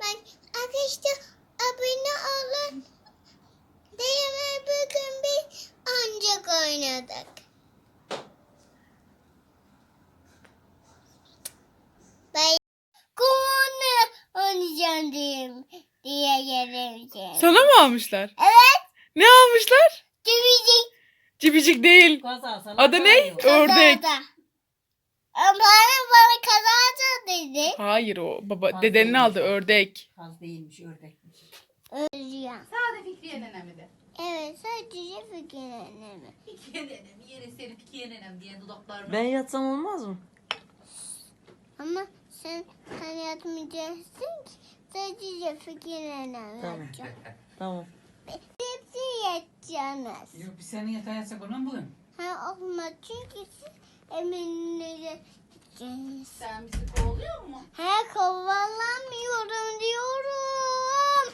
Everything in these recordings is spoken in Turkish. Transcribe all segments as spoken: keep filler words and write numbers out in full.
Arkadaşlar abone olun. Değerli bugün biz ancak oynadık. Ben kumunu oynayacağım diyeyim diye geleceğim. Sana mı almışlar? Evet. Ne almışlar? Cibicik. Cibicik değil. Adı ne? Ördek. Bana bana kazandı dedi. Hayır o baba Kaz dedenin değilmiş aldı o. ördek. Kaz değilmiş, ördekmiş. Özleyeceğim. Sade Fikriye nenemi de. Evet sadece fikirlerimi. Fikriye nenemi, yere seni Fikriye nenem diye dudaklarına. Ben yatsam olmaz mı? Ama sen sen yatmayacaksın ki sadece fikirlerimi Tamam. yapacağım. Tamam. Hepsi yatacaksınız. Yok biz senin yatağa yatsak ona mı bugün? Ha olmaz çünkü siz eminleri gideceksiniz. Sen bizi kovalıyor mu? He kovalamıyorum diyorum.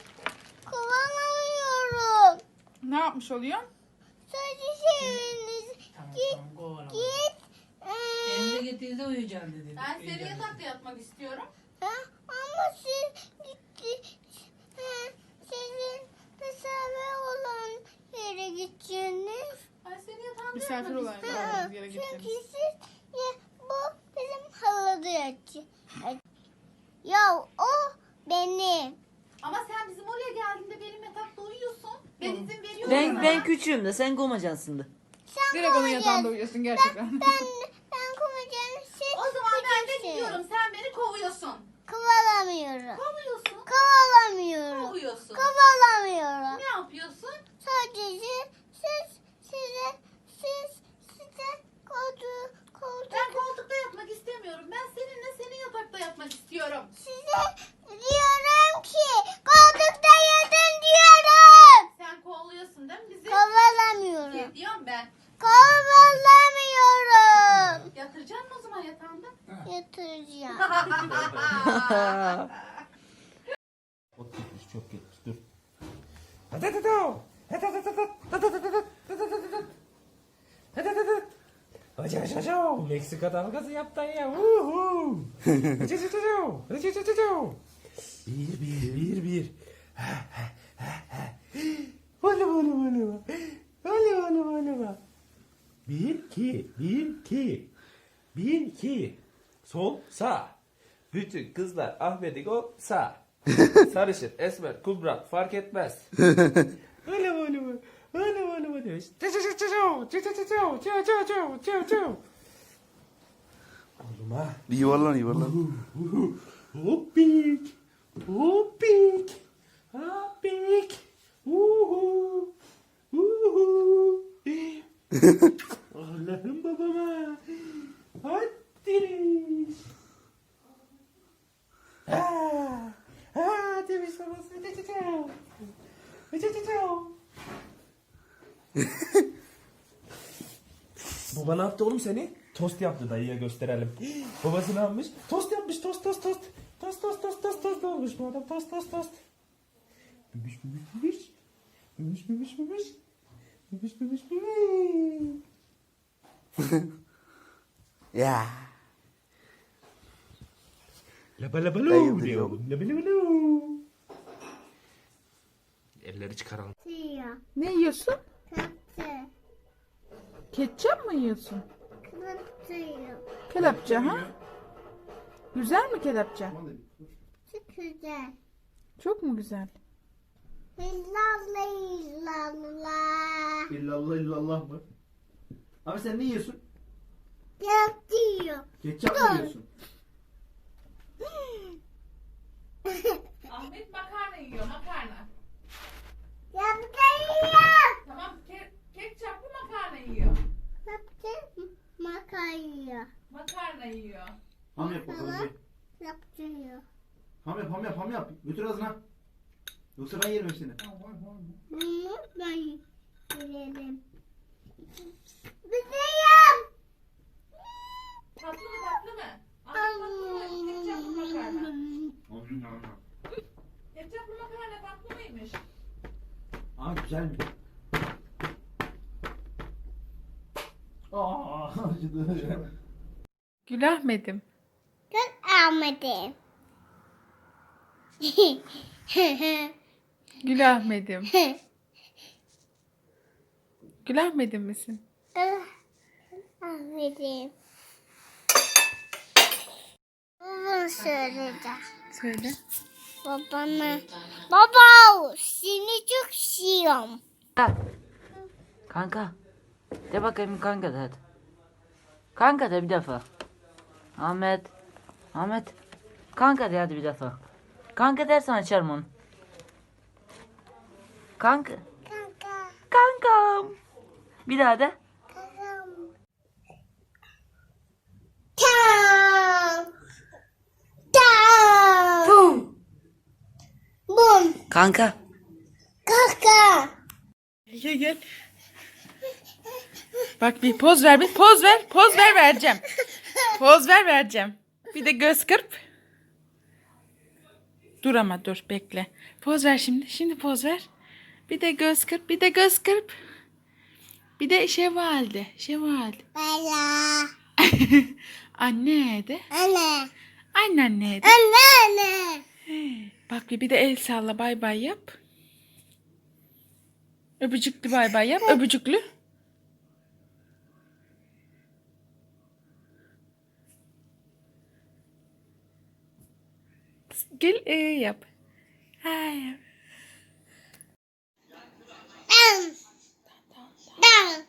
Kovalamıyorum. Ne yapmış oluyor? Sadece eviniz Tamam git tamam kovalama. git. Ee, Elinize getirdiğinizde uyuyacaksın dedi. Ben seri Uyuyacaksın. yatakta yatmak istiyorum. ha, ama siz gitti. Ha, sizin misafir olan yere gideceksiniz. Ben seri yatağımda Misafir yatmak olan istiyorum. Ha, yere çünkü gideceğiz. siz ya, bu bizim halıda yatacak. Ya o benim. Ama sen bizim oraya geldiğinde benim yatakta uyuyorsun. Ben izin veriyorum Ben sana. ben küçüğüm de sen gomacansın da. Sen Direkt onun kovacaksın. yatağında uyuyorsun gerçekten. Ben ben kovacağım. Siz O zaman ben de küçüksün. gidiyorum. Sen beni kovuyorsun. Kovalamıyorum. Kovuyorsun. Kovalamıyorum. Kovuyorsun. Kovalamıyorum. Ne yapıyorsun? Sadece siz size siz size koltuğu koltuğu Ben koltukta yatmak istemiyorum. Ben seninle senin yatakta yatmak istiyorum. size diyorum ki koltukta yatın diyorum. Sen kovalıyorsun değil mi bizi? Kovalamıyorum. Ne diyorum ben? Kovalamıyorum. Yatıracaksın mı o zaman yatağında? Yatıracağım. Ot gitmiş, çok gitmiş. Dur. Meksika dalgası yaptın ya. Uhu. Bir bir bir bir. Vale vale vale. Vale vale vale. Bir iki bir iki. Bir iki. Sol sağ. Bütün kızlar Ahmet'i gol sağ. Sarışın, esmer, kubra fark etmez. Öyle böyle böyle. Öyle böyle böyle. Oğlum ha. Yuvarlan yuvarlan. Hoppik. Hoppik. Hoppik. Uhu. Uhu. Allah'ım babama. Hadi. Ha. Ha, demiş babası. Baba ne yaptı oğlum seni? Tost yaptı, dayıya gösterelim. Babası ne yapmış? Tost yapmış, tost tost tost. Tost tost tost tost tost olmuş bu adam, tost tost tost. Bübüş bübüş bübüş. Bübüş bübüş bübüş. Bübüş bübüş bübüş. Ya. Laba laba Dayı lu diyor diyor. oğlum. Laba laba lu. Elleri çıkaralım. Siyah. Ne yiyorsun? Kaptı. Ketçap mı yiyorsun? Kaptıyım. Kelepçe ha? Güzel mi kelepçe? Çok güzel. Çok mu güzel? İllallah illallah. İllallah illallah mı? Abi sen ne yiyorsun? Yaptıyor. Ketçap mı yiyorsun? Ahmet makarna yiyor makarna. Yaptıyor. Tamam ke ketçaplı makarna yiyor. Yaptı. Makarna. Makarna yiyor. Ham yap bakalım bir. Yaptıyor. Ham yap ham yap ham yap. Götür ağzına. Yoksa ben yerim hepsini. Bunu ben yiyelim. Bizdeyim. Tatlı mı tatlı mı? Ahmet tatlı mı? Ketçaplı makarna. Ketçaplı makarna tatlı mıymış? Aa güzel mi? Aa acıdı. Gül Ahmet'im. Kız Ahmet'im. Gül Ahmet'im. Gül Ahmet'im misin? Aferin. Bunu söyleyeceğim. Söyle. Babana. Baba seni çok seviyorum. Kanka. De bakayım kanka de hadi. Kanka de bir defa. Ahmet. Ahmet. Kanka de hadi bir defa. Kanka dersen açarım onu. Kanka. Kanka. Kankam. Bir daha de. Kankam. Tam. Tam. Bum. Kanka. Kaka. Gel gel. Bak bir poz ver, bir poz ver. Poz ver vereceğim. Poz ver vereceğim. Bir de göz kırp. Dur ama dur bekle. Poz ver şimdi. Şimdi poz ver. Bir de göz kırp, bir de göz kırp. Bir de şevalde, şevalde. Bala. Anne de. Anne. Anneanne de. Anne anne. Bak bir, bir de el salla, bay bay yap. Öpücüklü bay bay yap. Öpücüklü. Gel e yap. Hayır. Dan. Dan.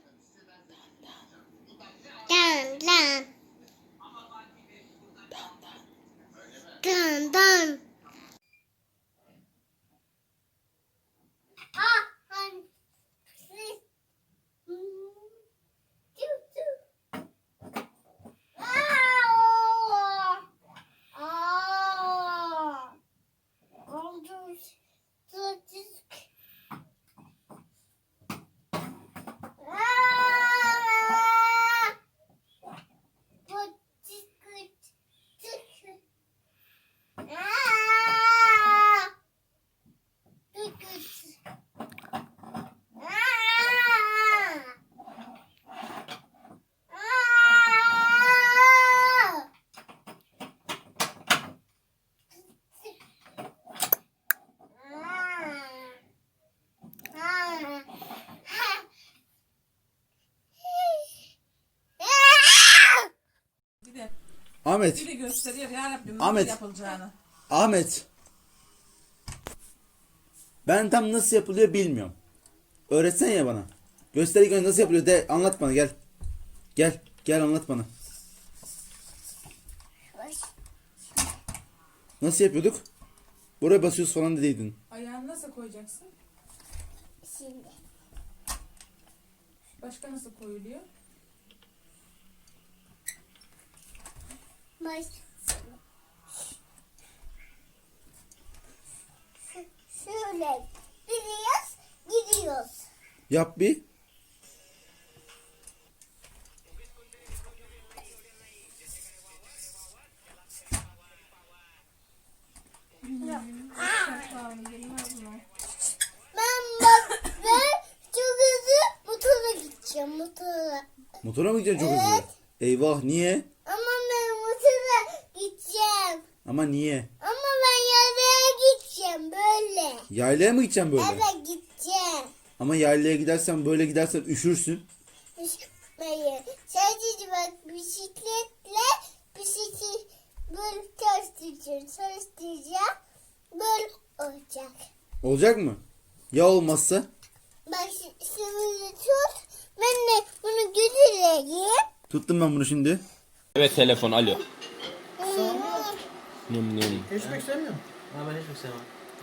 Dan dan. Dan dan. Ah, han. Siz. Hmm. Tüh, tüh. Aa! Aa! Oldu. Sıçık. Aa! Bu çıkıt. Çıkıt. Aa! Çıkıt. Aa! Aa! Ahmet. Bir de gösteriyor ya Rabbim Ahmet. nasıl yapılacağını. Ahmet. Ben tam nasıl yapılıyor bilmiyorum. Öğretsen ya bana. Göster ilk önce nasıl yapılıyor de anlat bana gel. Gel. Gel anlat bana. Nasıl yapıyorduk? Buraya basıyoruz falan dediydin. Ayağını nasıl koyacaksın? Şimdi. Başka nasıl koyuluyor? Baş. Şöyle gidiyoruz, gidiyoruz. Yap bir. Ben bak ben çok hızlı motora gideceğim motora. Motora mı gideceksin çok hızlı? Evet. Eyvah niye? Ama ben motora gideceğim. Ama niye? Ama ben yaylaya gideceğim böyle. Yaylaya mı gideceksin böyle? Evet gideceğim. Ama yaylaya gidersen böyle gidersen üşürsün. Hayır. Sadece bak bisikletle bisiklet böyle çalıştıracağım. Çalıştıracağım. Böyle olacak. Olacak mı? Ya olmazsa? Bak şimdi tut. Ben de bunu götüreyim. Tuttum ben bunu şimdi. Evet telefon alo. Hmm. Nüm nüm. Geçmek istemiyorum. Ha ben hiçbir sevmem.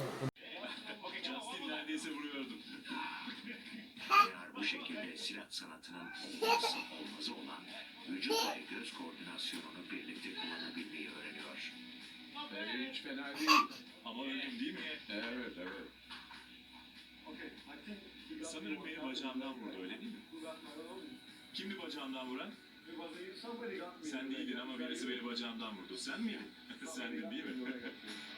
Neredeyse vuruyordum. Eğer bu şekilde silah sanatının olmazsa olmazı olan vücut ve göz koordinasyonunu birlikte kullanabilmeyi öğreniyor. Evet, hiç fena değil. Ama öldüm değil mi? Evet, evet. Sanırım beni bacağımdan vurdu, öyle değil mi? Kimdi bacağımdan vuran? Sen değildin ama birisi beni bacağımdan vurdu. Sen miydin? Sendin değil mi?